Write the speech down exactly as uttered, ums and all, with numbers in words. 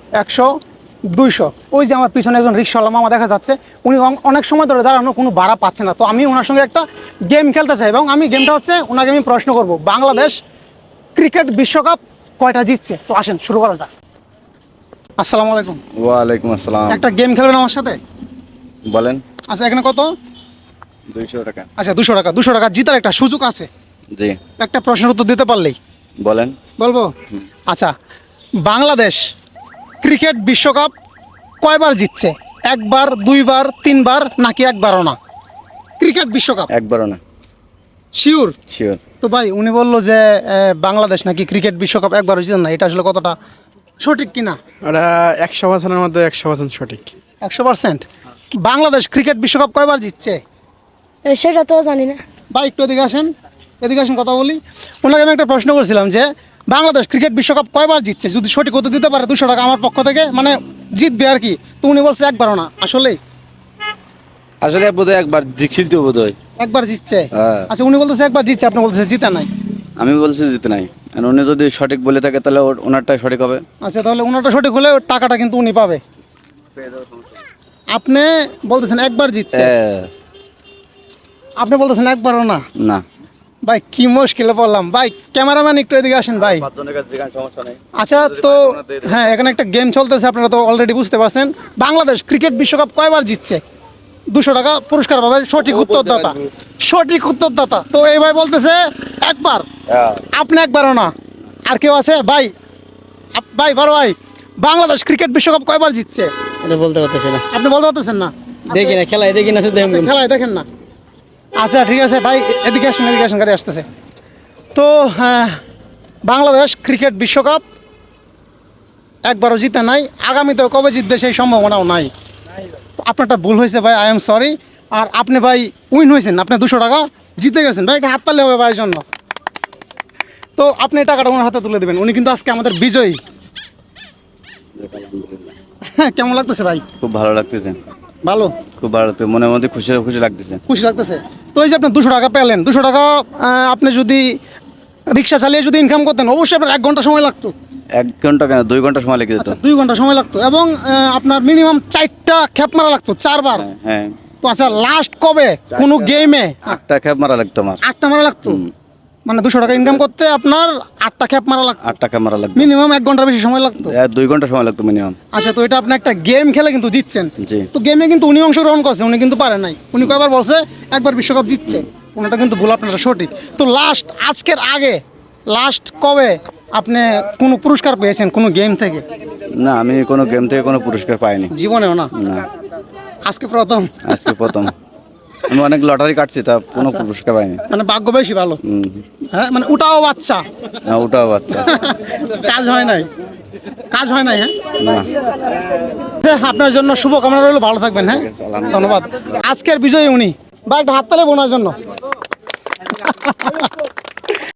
একশো, দুইশো। ওই যে আমার পিছনে একজন রিক্সাওয়ালা মামা দেখা যাচ্ছে, উনি অন- অনেক সময় ধরে দাঁড়ানো, কোনো ভাড়া পাচ্ছে না। তো আমি ওনার সঙ্গে একটা গেম খেলতে চাই, এবং আমি গেমটা হচ্ছে ওনাকে আমি প্রশ্ন করব, বাংলাদেশ ক্রিকেট বিশ্বকাপ কয়টা জিতছে। তো আসেন শুরু করা যাক। আসসালামু আলাইকুম। ওয়ালাইকুম আসসালাম। একটা গেম খেলবেন আমার সাথে? বলেন। আচ্ছা, এখানে কত? দুইশো টাকা। আচ্ছা, দুশো টাকা। দুশো টাকা জিতার একটা সুযোগ আছে, জি একটা প্রশ্নের উত্তর দিতে পারলেই। বলেন। বলবো? আচ্ছা, বাংলাদেশ ক্রিকেট বিশ্বকাপ কয়বার জিতছে? একবার, দুইবার, তিনবার, নাকি একবারও না? ক্রিকেট বিশ্বকাপ একবারও না। শিওর? শিওর। তো ভাই উনি বললো যে এ, বাংলাদেশ নাকি ক্রিকেট বিশ্বকাপ একবারও জিতেন না, এটা আসলে কতটা সঠিক কিনা? ওটা একশো পার্সেন্টের মধ্যে একশো পার্সেন্ট সঠিক। একশো পার্সেন্ট। বাংলাদেশ ক্রিকেট বিশ্বকাপ কয়বার জিতছে? এ, সেটা তো জানি না। ভাই একটু এদিকে আসেন, এদিকে আসেন, কথা বলি। ওনাকে আমি একটা প্রশ্ন করছিলাম যে বাংলাদেশ ক্রিকেট বিশ্বকাপ কয়বার জিতছে, যদি সঠিক উত্তর দিতে পারে দুশো টাকা আমার পক্ষ থেকে, মানে জিতবে আর কি। তো উনি বলছে একবারও না। আসলেই আসলে বোধহয় একবার জিতছিল তো বোধহয়। একবার জিতছে? হ্যাঁ। আচ্ছা, উনি বলতেছে একবার জিতছে, আপনি বলতেছে জিতে নাই। আমি বলছি জিতে নাই, আর উনি যদি সঠিক বলে থাকে তাহলে ওর- ওনারটাই সঠিক হবে। আচ্ছা, তাহলে ওনারটা সঠিক হলে ওর টাকাটা কিন্তু উনি পাবে। আপনি বলতেছেন একবার জিতছে, হ্যাঁ। আপনি বলতেছেন একবারও না। না। ভাই কি মুশকিলে পড়লাম। ভাই ক্যামেরাম্যান একটু এদিকে আসেন ভাই। সমস্যা নেই। আচ্ছা, তো হ্যাঁ, এখানে একটা গেম চলতেছে, আপনারা তো অলরেডি বুঝতে পারছেন। বাংলাদেশ ক্রিকেট বিশ্বকাপ কয়বার জিতছে? দুশো টাকা পুরস্কার পাবে সঠিক উত্তরদাতা। সঠিক উত্তরদাতা। তো এই ভাই বলতেছে একবার, আপনি একবারও না। আর কেউ আছে ভাই? আপ- ভাই বড় ভাই, বাংলাদেশ ক্রিকেট বিশ্বকাপ কয়বার জিতছে? এটা বলতে পারতেছি না, আপনি বলতে পারতেছেন না? দেখি না খেলায়, দেখি না তো দেখুন। খেলায় দেখেন না? আচ্ছা ঠিক আছে ভাই, এদিকে আসেন, এদিকে আসেন, গাড়ি আসতেছে। তো হ্যাঁ, বাংলাদেশ ক্রিকেট বিশ্বকাপ একবারও জিতে নাই, আগামীতেও কবে জিতবে সেই সম্ভাবনাও নাই। তো আপনারটা ভুল হয়েছে ভাই, আই এম সরি। আর আপনি ভাই উইন হয়েছেন, আপনি দুশো টাকা জিতে গেছেন ভাই, একটা হাত তালে হবে ভাইয়ের জন্য। তো আপনি এই টাকাটা ওনার হাতে তুলে দেবেন, উনি কিন্তু আজকে আমাদের বিজয়ী। হ্যাঁ, কেমন লাগতেছে ভাই? খুব ভালো লাগতেছে। ভালো, খুব ভালো লাগতেছে, মনের মধ্যে খুশি খুশি লাগতেছে। খুশি লাগতেছে। তো এই যে আপনি দুশো টাকা পেলেন, দুশো টাকা আহ, আপনি যদি রিক্সা চালিয়ে যদি ইনকাম করতেন, অবশ্যই আপনার এক ঘন্টা সময় লাগতো। এক ঘন্টা কেন, দুই ঘন্টা সময় লেগে যেত। আচ্ছা, দুই ঘন্টা সময় লাগতো, এবং আহ, আপনার মিনিমাম চারটা খ্যাপ মারা লাগতো, চারবার। হ্যাঁ। তো আচ্ছা, লাস্ট কবে কোনো গেমে আটটা খ্যাপ মারা লাগতো আমার। আটটা মারা লাগতো? মানে দুশো টাকা ইনকাম করতে আপনার আটটা খ্যাপ মারা লাগতো, আটটা খ্যাপ মারা লাগতো। মিনিমাম এক ঘন্টার বেশি সময় লাগতো। এ, দুই ঘন্টা সময় লাগতো মিনিমাম। আচ্ছা, তো এটা আপনি একটা গেম খেলে কিন্তু জিতছেন। জি। তো গেমে কিন্তু উনি অংশগ্রহণ করছে, উনি কিন্তু পারে নাই। উনি কয়বার বলছে একবার বিশ্বকাপ জিতছে, ওনাটা কিন্তু ভুল, আপনারা সঠিক। তো লাস্ট আজকের আগে লাস্ট কবে আপনি কোনো পুরস্কার পেয়েছেন কোনো গেম থেকে? না, আমি কোনো গেম থেকে কোনো পুরস্কার পাইনি। জীবনেও না? না, আজকে প্রথম? আজকে প্রথম। আমি অনেক লটারি কাটছি, তা কোনো পুরস্কার পাইনি। মানে ভাগ্য বেশি ভালো। হুম। হ্যাঁ, মানে ওটাও বাচ্চা, না, ওটাও বাচ্চা। কাজ হয় নাই, কাজ হয় নাই। হ্যাঁ, না। যে আপনার জন্য শুভকামনা রইল, ভালো থাকবেন। হ্যাঁ, ধন্যবাদ। আজকের বিজয়ী উনি। বা একটা হাততালি বোনার জন্য।